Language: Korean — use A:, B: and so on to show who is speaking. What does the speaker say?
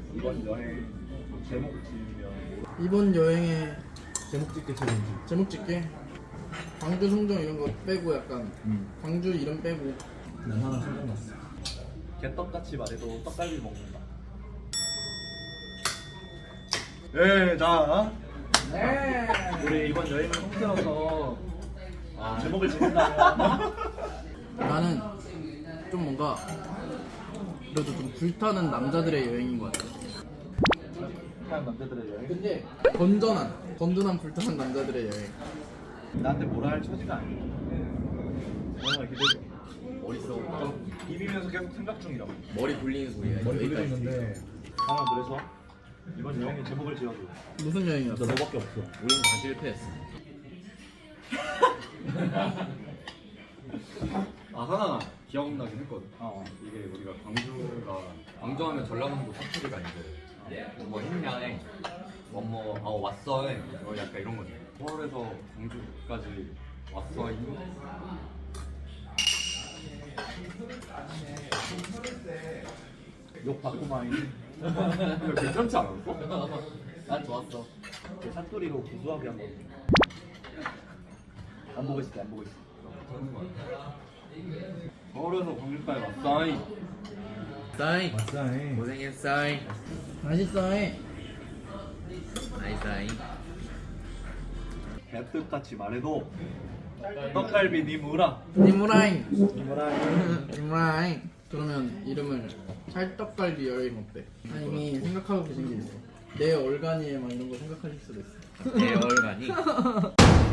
A: 이번 여행 제목 지으면
B: 이번 여행에
A: 제목 짓기 챌린지.
B: 제목 짓게 광주 송정 이런 거 빼고 약간 광주 이름 빼고
A: 난 하나 생각났어. 개떡같이 말해도 떡갈비 먹는다. 네, 자
B: 네.
A: 우리 이번 여행을 통틀어서 제목을 짓는다면
B: 나는 좀 뭔가 그래도 좀 불타는 남자들의 여행인 것 같아.
A: 그냥 남자들의 여행.
B: 근데 건전한 불타는 남자들의 여행.
A: 나한테 뭐라 할 처지가 아니야. 정말 기대돼.
C: 머리 써
A: 비비면서 계속 생각 중이라고.
C: 머리 굴리는 소리야.
A: 머리
C: 여기까지.
A: 굴리는데 나는 그래서 이번 여행의 제목을 지어줘.
B: 무슨 여행이었어?
A: 너밖에 없어.
C: 우리는 다 실패했어. 하나 기억나긴 했거든. 이게 우리가 광주하면 전라남도 사투리가 이제 뭐 했냐에 왔어에 약간 이런 거지. 서울에서 광주까지 왔어에
A: 욕 받고 많이.
C: 이거 괜찮지 않았어?
B: 난 좋았어.
A: 사투리로 구수하게 한 거. 안 보고 있을게, 안 보고 있어.
C: 서울에서 광주까지 왔어이. 싸이
A: 맞아요.
C: 고생했어이.
B: 맛있어해.
C: 아이싸이.
A: 개뜻같이 말해도 떡갈비 니무라.
B: 니무라잉.
A: 니무라.
B: 니무라잉. 그러면 이름을 찰떡갈비 여행 어때? 아니, 이미 생각하고 계신 게 있어. 내 얼간이에 막 이런 거 생각하실 수도 있어.
C: 내 얼간이.